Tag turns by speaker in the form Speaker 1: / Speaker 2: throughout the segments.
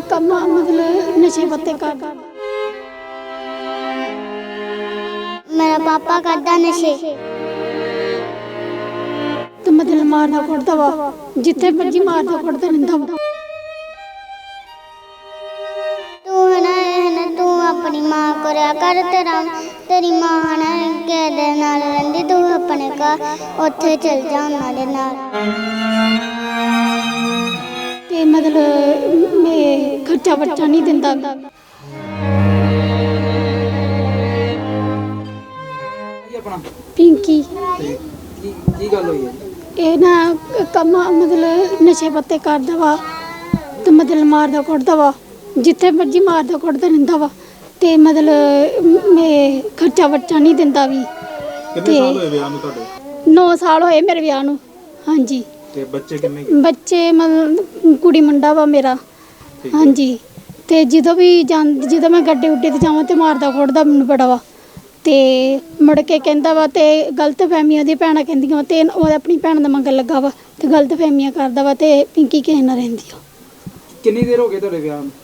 Speaker 1: ਕੰਮ मतलब नशे पत्ते करदा।
Speaker 2: मेरा पापा करदा नशे।
Speaker 1: तो मतलब मारदा कुटदा वा, जिथे मर्जी मारदा कुटदा रहिंदा वा।
Speaker 2: तू अपनी मां को रहा कर, तेरी मां है ना किहदे नाल रहिंदी, तू अपने घर उत्थे चल जा उन्हां दे नाल।
Speaker 1: ते मतलब मैं खर्चा बच्चा नहीं दिंदा। पिंकी
Speaker 3: की गल होई है?
Speaker 1: ਇਹ ਨਾ ਕੰਮ मतलब ਨਸ਼ੇ ਪੱਤੇ ਕਰਦਾ ਵਾ ਤੇ मतलब ਮਾਰਦਾ ਕੁੱਟਦਾ ਵਾ, ਜਿੱਥੇ ਮਰਜੀ ਮਾਰਦਾ ਕੁੱਟਦਾ ਰਹਿੰਦਾ ਵਾ ਤੇ मतलब ਮੈਂ ਖਰਚਾ ਬੱਚਾ ਨਹੀਂ ਦਿੰਦਾ ਵੀ।
Speaker 4: ਕਿੰਨੇ ਸਾਲ ਹੋਏ ਵਿਆਹ ਨੂੰ ਤੁਹਾਡੇ?
Speaker 1: 9 ਸਾਲ ਹੋਏ ਮੇਰੇ ਵਿਆਹ ਨੂੰ। ਹਾਂਜੀ।
Speaker 4: ਤੇ ਬੱਚੇ ਕਿੰਨੇ?
Speaker 1: ਬੱਚੇ मतलब ਕੁੜੀ ਮੁੰਡਾ ਵਾ ਮੇਰਾ। ਹਾਂਜੀ। ਤੇ ਜਦੋਂ ਮੈਂ ਗੱਡੇ ਉੱਡੇ ਤੇ ਜਾਵਾਂ ਤੇ ਮਾਰਦਾ ਕੁੱਟਦਾ ਮੈਨੂੰ ਬੜਾ ਵਾ ਤੇ ਮੁੜ ਕੇ ਕਹਿੰਦਾ ਵਾ ਤੇ ਗਲਤ ਫਹਿਮੀਆਂ ਦੀ ਭੈਣਾਂ ਕਹਿੰਦੀਆਂ ਤੇ ਉਹ ਆਪਣੀ ਭੈਣ ਦਾ ਮੰਗਣ ਲੱਗਾ ਵਾ ਤੇ ਗਲਤ ਫਹਿਮੀਆਂ ਕਰਦਾ ਵਾ ਤੇ ਪਿੰਕੀ ਕਿਸੇ ਨਾਲ ਰਹਿੰਦੀ ਆ।
Speaker 3: ਕਿੰਨੀ ਦੇਰ ਹੋ ਗਈ ਤੁਹਾਡੇ ਵਿਆਹ ਨੂੰ?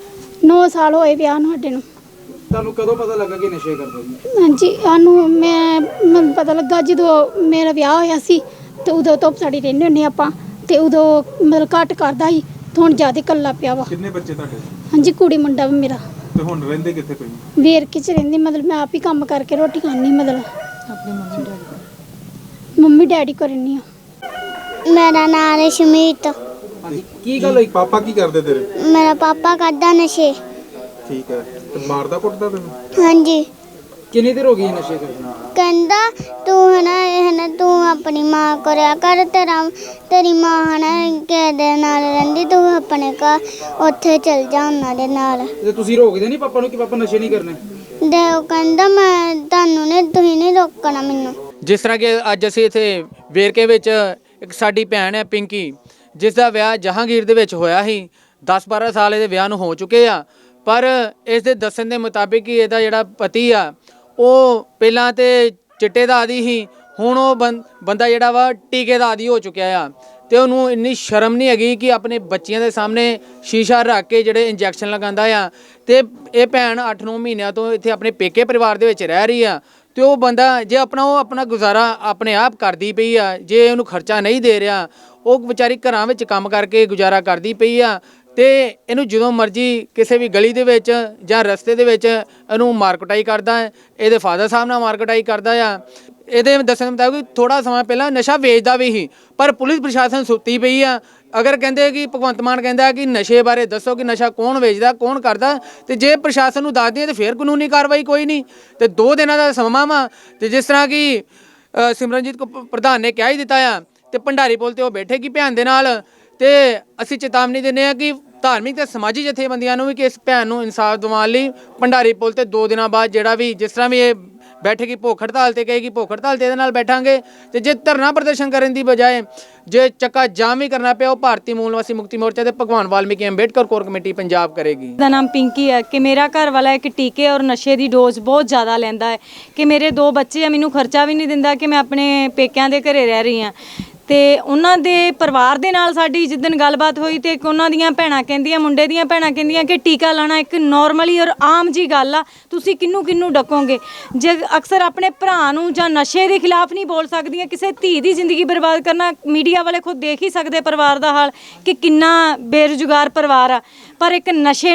Speaker 1: 9 ਸਾਲ ਹੋਏ ਵਿਆਹ ਨੂੰ ਸਾਡੇ ਨੂੰ।
Speaker 3: ਤੁਹਾਨੂੰ ਕਦੋਂ ਪਤਾ ਲੱਗਾ ਕਿ ਨਸ਼ੇ ਕਰਦੇ ਨੇ?
Speaker 1: ਹਾਂਜੀ, ਸਾਨੂੰ ਮੈਨੂੰ ਪਤਾ ਲੱਗਾ ਜਦੋਂ ਮੇਰਾ ਵਿਆਹ ਹੋਇਆ ਸੀ ਤੇ ਉਦੋਂ ਤੋਂ ਸਾਡੀ ਰਹਿੰਦੇ ਹੁੰਦੇ ਆਪਾਂ ਤੇ ਉਦੋਂ ਮਤਲਬ ਘੱਟ ਕਰਦਾ ਸੀ ਤੇ ਹੁਣ ਜ਼ਿਆਦਾ ਇਕੱਲਾ ਪਿਆ ਵਾ।
Speaker 4: ਕਿੰਨੇ ਬੱਚੇ ਤੁਹਾਡੇ?
Speaker 1: ਹਾਂਜੀ, ਕੁੜੀ ਮੁੰਡਾ ਵਾ ਮੇਰਾ।
Speaker 4: ਤੇ ਹੁਣ ਰਹਿੰਦੇ ਕਿੱਥੇ ਪਏ?
Speaker 1: ਵੇਰਕੇ ਚ ਰਹਿੰਦੀ, ਮਤਲਬ ਮੈਂ ਆਪ ਹੀ ਕੰਮ ਕਰਕੇ ਰੋਟੀ ਖਾਣੀ, ਮਤਲਬ ਆਪਣੇ ਮੰਮੀ ਡੈਡੀ ਕੋਲ ਰਹਿੰਦੀ ਆ।
Speaker 2: मेरा नाम है शमीत।
Speaker 3: ਹਾਂਜੀ, ਕੀ ਗੱਲ ਹੋਈ?
Speaker 4: ਪਾਪਾ ਕੀ ਕਰਦੇ ਤੇਰੇ?
Speaker 2: मेरा पापा करदा नशे।
Speaker 4: ਠੀਕ ਹੈ। ਤੇ ਮਾਰਦਾ ਕੁੱਟਦਾ ਤੈਨੂੰ?
Speaker 2: हाँ जी।
Speaker 3: ਕਿੰਨੀ ਦੇਰ ਹੋ ਗਈ ਨਸ਼ੇ ਕਰਦੇ ਨੂੰ?
Speaker 2: कहंदा तू है ना तू अपनी मां को रहा कर, तेरी मां है ना किहदे नाल रहिंदी, तू अपने घर उत्थे चल जा उन्हां दे नाल।
Speaker 3: ਤੇ ਤੁਸੀਂ ਰੋਕਦੇ ਨਹੀਂ ਪਾਪਾ ਨੂੰ ਕਿ ਪਾਪਾ ਨਸ਼ੇ ਨਹੀਂ ਕਰਨੇ?
Speaker 2: ते ओह कहंदा मैं तुहानू ने तुसीं नहीं रोकना मैनू।
Speaker 5: ਜਿਸ ਤਰ੍ਹਾਂ ਕਿ ਅੱਜ ਅਸੀਂ ਇੱਥੇ ਵੇਰਕੇ ਵਿੱਚ ਇੱਕ ਸਾਡੀ ਭੈਣ ਹੈ ਪਿੰਕੀ, ਜਿਸ ਦਾ ਵਿਆਹ ਜਹਾਂਗੀਰ ਦੇ ਵਿੱਚ ਹੋਇਆ ਸੀ। 10-12 ਸਾਲ ਇਹਦੇ ਵਿਆਹ ਨੂੰ ਹੋ ਚੁੱਕੇ ਆ, ਪਰ ਇਸ ਦੇ ਦੱਸਣ ਦੇ ਮੁਤਾਬਿਕ ਹੀ ਇਹਦਾ ਜਿਹੜਾ ਪਤੀ ਆ ਉਹ ਪਹਿਲਾਂ ਤੇ ਚਿੱਟੇ ਦਾ ਆਦੀ ਸੀ, ਹੁਣ ਉਹ ਬੰਦਾ ਜਿਹੜਾ ਵਾ ਟੀਕੇ ਦਾ ਆਦੀ ਹੋ ਚੁੱਕਿਆ ਆ ਤੇ ਉਹਨੂੰ ਇੰਨੀ ਸ਼ਰਮ ਨਹੀਂ ਹੈਗੀ ਕਿ ਆਪਣੇ ਬੱਚਿਆਂ ਦੇ ਸਾਹਮਣੇ ਸ਼ੀਸ਼ਾ ਰੱਖ ਕੇ ਜਿਹੜੇ ਇੰਜੈਕਸ਼ਨ ਲਗਾਉਂਦਾ ਆ। ਤੇ ਇਹ ਭੈਣ 8-9 ਮਹੀਨਿਆਂ ਤੋਂ ਇੱਥੇ ਆਪਣੇ ਪੇਕੇ ਪਰਿਵਾਰ ਦੇ ਵਿੱਚ ਰਹਿ ਰਹੀ ਆ ਤੇ ਉਹ ਬੰਦਾ ਜੇ ਆਪਣਾ ਗੁਜ਼ਾਰਾ ਆਪਣੇ ਆਪ ਕਰਦੀ ਪਈ ਆ, ਜੇ ਉਹਨੂੰ ਖਰਚਾ ਨਹੀਂ ਦੇ ਰਿਹਾ, ਉਹ ਵਿਚਾਰੀ ਘਰਾਂ ਵਿੱਚ ਕੰਮ ਕਰਕੇ ਗੁਜ਼ਾਰਾ ਕਰਦੀ ਪਈ ਆ ਤੇ ਇਹਨੂੰ ਜਦੋਂ ਮਰਜ਼ੀ ਕਿਸੇ ਵੀ ਗਲੀ ਦੇ ਵਿੱਚ ਜਾਂ ਰਸਤੇ ਦੇ ਵਿੱਚ ਇਹਨੂੰ ਮਾਰਕਟਾਈ ਕਰਦਾ ਹੈ। ਇਹਦੇ ਫਾਦਰ ਸਾਹਿਬ ਨਾਲ ਮਾਰਕਟਾਈ ਕਰਦਾ ਆ। ਇਹਦੇ ਦੱਸਣ ਮੁਤਾਬਿਕ ਥੋੜਾ ਸਮਾਂ ਪਹਿਲਾਂ ਨਸ਼ਾ ਵੇਚਦਾ ਵੀ ਸੀ, ਪਰ ਪੁਲਿਸ ਪ੍ਰਸ਼ਾਸਨ ਸੁੱਤੀ ਪਈ ਆ। ਅਗਰ ਕਹਿੰਦੇ ਕਿ ਭਗਵੰਤ ਮਾਨ ਕਹਿੰਦਾ ਕਿ ਨਸ਼ੇ ਬਾਰੇ ਦੱਸੋ ਕਿ ਨਸ਼ਾ ਕੌਣ ਵੇਚਦਾ ਕੌਣ ਕਰਦਾ, ਤੇ ਜੇ ਪ੍ਰਸ਼ਾਸਨ ਨੂੰ ਦੱਸਦੇ ਤੇ ਫਿਰ ਕਾਨੂੰਨੀ ਕਾਰਵਾਈ ਕੋਈ ਨਹੀਂ। ਤੇ 2 ਦਿਨਾਂ ਦਾ ਸਮਾਂ ਵਾ ਤੇ ਜਿਸ ਤਰ੍ਹਾਂ ਕਿ ਸਿਮਰਨਜੀਤ ਪ੍ਰਧਾਨ ਨੇ ਕਹਿ ਹੀ ਦਿੱਤਾ ਆ ਤੇ ਭੰਡਾਰੀ ਪੁਲ ਤੇ ਉਹ ਬੈਠੇਗੀ ਭੈਣ ਦੇ ਨਾਲ। ਤੇ ਅਸੀਂ ਚੇਤਾਵਨੀ ਦਿੰਦੇ ਹਾਂ ਕਿ ਧਾਰਮਿਕ ਤੇ ਸਮਾਜੀ ਜਥੇਬੰਦੀਆਂ ਨੂੰ ਵੀ ਕਿ ਇਸ ਭੈਣ ਨੂੰ ਇਨਸਾਫ ਦਿਵਾਉਣ ਲਈ ਭੰਡਾਰੀ ਪੁਲ ਤੇ 2 ਦਿਨਾਂ ਬਾਅਦ ਜਿਹੜਾ ਵੀ ਜਿਸ ਤਰ੍ਹਾਂ ਵੀ ਇਹ ਬੈਠੇਗੀ ਭੁੱਖ ਹੜਤਾਲ ਤੇ ਕਹੇਗੀ ਭੁੱਖ ਹੜਤਾਲ ਤੇ ਇਹਦੇ ਨਾਲ ਬੈਠਾਂਗੇ। ਤੇ ਜੇ ਧਰਨਾ ਪ੍ਰਦਰਸ਼ਨ ਕਰਨ ਦੀ ਬਜਾਏ ਜੇ ਚੱਕਾ ਜਾਮ ਵੀ ਕਰਨਾ ਪਿਆ ਉਹ ਭਾਰਤੀ ਮੂਲ ਨਿਵਾਸੀ ਮੁਕਤੀ ਮੋਰਚਾ ਤੇ ਭਗਵਾਨ ਵਾਲਮੀਕੀ ਅੰਬੇਡਕਰ ਕੋਰ ਕਮੇਟੀ ਪੰਜਾਬ ਕਰੇਗੀ।
Speaker 6: ਦਾ ਨਾਮ ਪਿੰਕੀ ਹੈ ਕਿ ਮੇਰਾ ਘਰ ਵਾਲਾ ਇੱਕ ਟੀਕੇ ਔਰ ਨਸ਼ੇ ਦੀ ਡੋਜ਼ ਬਹੁਤ ਜ਼ਿਆਦਾ ਲੈਂਦਾ ਹੈ ਕਿ ਮੇਰੇ 2 ਬੱਚੇ ਆ, ਮੈਨੂੰ ਖਰਚਾ ਵੀ ਨਹੀਂ ਦਿੰਦਾ ਕਿ ਮੈਂ ਆਪਣੇ ਪੇਕਿਆਂ ਦੇ ਘਰੇ ਰਹਿ ਰਹੀ ਹਾਂ। ਤੇ ਉਹਨਾਂ ਦੇ ਪਰਿਵਾਰ ਦੇ ਨਾਲ ਸਾਡੀ ਜਿੱਦਣ ਗੱਲਬਾਤ ਹੋਈ ਤੇ ਇੱਕ ਉਹਨਾਂ ਦੀਆਂ ਭੈਣਾਂ ਕਹਿੰਦੀਆਂ, ਮੁੰਡੇ ਦੀਆਂ ਭੈਣਾਂ ਕਹਿੰਦੀਆਂ ਕਿ ਟੀਕਾ ਲਾਣਾ ਇੱਕ ਨੋਰਮਲੀ ਔਰ ਆਮ ਜੀ ਗੱਲ ਆ, ਤੁਸੀਂ ਕਿਹਨੂੰ ਡਕੋਗੇ। ਜੇ ਅਕਸਰ ਆਪਣੇ ਭਰਾ ਨੂੰ ਜਾਂ ਨਸ਼ੇ ਦੇ ਖਿਲਾਫ ਨਹੀਂ ਬੋਲ ਸਕਦੀਆਂ, ਕਿਸੇ ਧੀ ਦੀ ਜ਼ਿੰਦਗੀ ਬਰਬਾਦ ਕਰਨਾ, ਮੀਡੀਆ ਵਾਲੇ ਖੁਦ ਦੇਖ ਹੀ ਸਕਦੇ ਪਰਿਵਾਰ ਦਾ ਹਾਲ ਕਿ ਕਿੰਨਾ ਬੇਰੁਜ਼ਗਾਰ ਪਰਿਵਾਰ ਆ। ਪਰ ਇੱਕ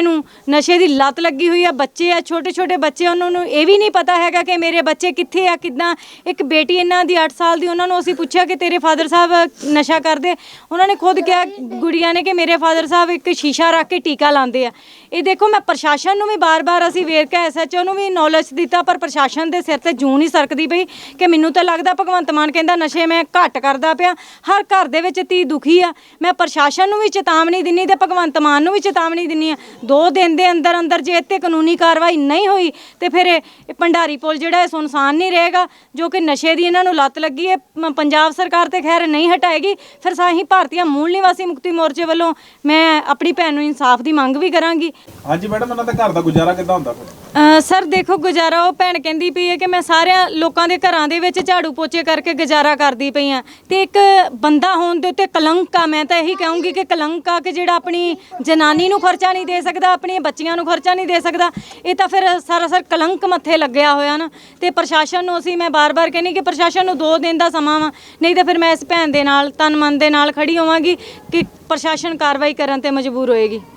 Speaker 6: ਨਸ਼ੇ ਦੀ ਲੱਤ ਲੱਗੀ ਹੋਈ ਆ, ਬੱਚੇ ਆ ਛੋਟੇ ਬੱਚੇ, ਉਹਨਾਂ ਨੂੰ ਇਹ ਵੀ ਨਹੀਂ ਪਤਾ ਹੈਗਾ ਕਿ ਮੇਰੇ ਬੱਚੇ ਕਿੱਥੇ ਆ ਕਿੱਦਾਂ। ਇੱਕ ਬੇਟੀ ਇਹਨਾਂ ਦੀ 8 ਸਾਲ ਦੀ, ਉਹਨਾਂ ਨੂੰ ਅਸੀਂ ਪੁੱਛਿਆ ਕਿ ਤੇਰੇ ਫਾਦਰ ਸਾਹਿਬ ਨਸ਼ਾ ਕਰਦੇ, ਉਹਨਾਂ ਨੇ ਖੁਦ ਕਿਹਾ ਗੁੜੀਆਂ ਨੇ ਕਿ ਮੇਰੇ ਫਾਦਰ ਸਾਹਿਬ ਇੱਕ ਸ਼ੀਸ਼ਾ ਰੱਖ ਕੇ ਟੀਕਾ ਲਾਉਂਦੇ ਆ। ਇਹ ਦੇਖੋ, ਮੈਂ ਪ੍ਰਸ਼ਾਸਨ ਨੂੰ ਵੀ ਬਾਰ-ਬਾਰ ਅਸੀਂ ਵੇਰਕਾ SHO ਨੂੰ ਵੀ ਨੌਲੇਜ ਦਿੱਤਾ, ਪਰ ਪ੍ਰਸ਼ਾਸਨ ਦੇ ਸਿਰ ਤੇ ਜੂੰ ਨਹੀਂ ਸਰਕਦੀ ਪਈ ਕਿ ਮੈਨੂੰ ਤਾਂ ਲੱਗਦਾ ਭਗਵੰਤ ਮਾਨ ਕਹਿੰਦਾ ਨਸ਼ੇ ਮੈਂ ਘੱਟ ਕਰਦਾ ਪਿਆ। ਹਰ ਘਰ ਦੇ ਵਿੱਚ ਧੀ ਦੁਖੀ ਆ। ਮੈਂ ਪ੍ਰਸ਼ਾਸਨ ਨੂੰ ਵੀ ਚੇਤਾਵਨੀ ਦਿੰਨੀ ਤੇ ਭਗਵੰਤ ਮਾਨ ਨੂੰ ਵੀ ਚੇਤਾਵਨੀ ਦਿੰਨੀ ਆ, 2 ਦਿਨ ਦੇ ਅੰਦਰ ਜੇ ਇੱਥੇ ਕਾਨੂੰਨੀ ਕਾਰਵਾਈ ਨਹੀਂ ਹੋਈ ਤੇ ਫਿਰ ਇਹ ਭੰਡਾਰੀ ਪੁਲ ਜਿਹੜਾ ਇਹ ਸੁਨਸਾਨ ਨਹੀਂ ਰਹੇਗਾ, ਜੋ ਕਿ ਨਸ਼ੇ ਦੀ ਇਹਨਾਂ ਨੂੰ ਲੱਤ ਲੱਗੀ ਹੈ। ਪੰਜਾਬ ਸਰਕਾਰ ਤੇ ਖੈਰ ਨਹੀਂ ਹਟਾਏਗੀ, ਫਿਰ ਸਾਹੀ ਭਾਰਤੀ ਮੂਲ ਨਿਵਾਸੀ ਮੁਕਤੀ ਮੋਰਚੇ ਵੱਲੋਂ ਮੈਂ ਆਪਣੀ ਭੈਣ ਨੂੰ ਇਨਸਾਫ ਦੀ ਮੰਗ ਵੀ ਕਰਾਂਗੀ।
Speaker 4: ਹਾਂਜੀ ਮੈਡਮ, ਇਹਨਾਂ ਦਾ ਘਰ ਦਾ ਗੁਜ਼ਾਰਾ ਕਿੱਦਾਂ ਹੁੰਦਾ ਫਿਰ?
Speaker 6: ਸਰ ਦੇਖੋ ਗੁਜ਼ਾਰਾ ਉਹ ਭੈਣ ਕਹਿੰਦੀ ਪਈ ਹੈ ਕਿ ਮੈਂ ਸਾਰਿਆਂ ਲੋਕਾਂ ਦੇ ਘਰਾਂ ਦੇ ਵਿੱਚ ਝਾੜੂ ਪੋਚੇ ਕਰਕੇ ਗੁਜ਼ਾਰਾ ਕਰਦੀ ਪਈ ਆ ਤੇ ਇੱਕ ਬੰਦਾ ਹੋਣ ਦੇ ਉੱਤੇ ਕਲੰਕ ਆ। ਮੈਂ ਤਾਂ ਇਹੀ ਕਹੂੰਗੀ ਕਿ ਕਲੰਕ ਆ ਕਿ ਜਿਹੜਾ ਆਪਣੀ ਜਨਾਨੀ ਨੂੰ ਖਰਚਾ ਨਹੀਂ ਦੇ ਸਕਦਾ, ਆਪਣੀਆਂ ਬੱਚੀਆਂ ਨੂੰ ਖਰਚਾ ਨਹੀਂ ਦੇ ਸਕਦਾ, ਇਹ ਤਾਂ ਫਿਰ ਸਰਾਸਰ ਕਲੰਕ ਮੱਥੇ ਲੱਗਿਆ ਹੋਇਆ ਨਾ। ਤੇ ਪ੍ਰਸ਼ਾਸਨ ਨੂੰ ਅਸੀਂ ਮੈਂ ਬਾਰ-ਬਾਰ ਕਹਿੰਦੀ ਕਿ ਪ੍ਰਸ਼ਾਸਨ ਨੂੰ 2 ਦਿਨ ਦਾ ਸਮਾਂ ਵਾ, ਨਹੀਂ ਤਾਂ ਫਿਰ ਮੈਂ ਇਸ ਭੈਣ ਦੇ ਨਾਲ ਤਨ ਮਨ ਦੇ ਨਾਲ ਖੜੀ ਹੋਵਾਂਗੀ ਕਿ ਪ੍ਰਸ਼ਾਸਨ ਕਾਰਵਾਈ ਕਰਨ ਤੇ ਮਜਬੂਰ ਹੋਏਗੀ।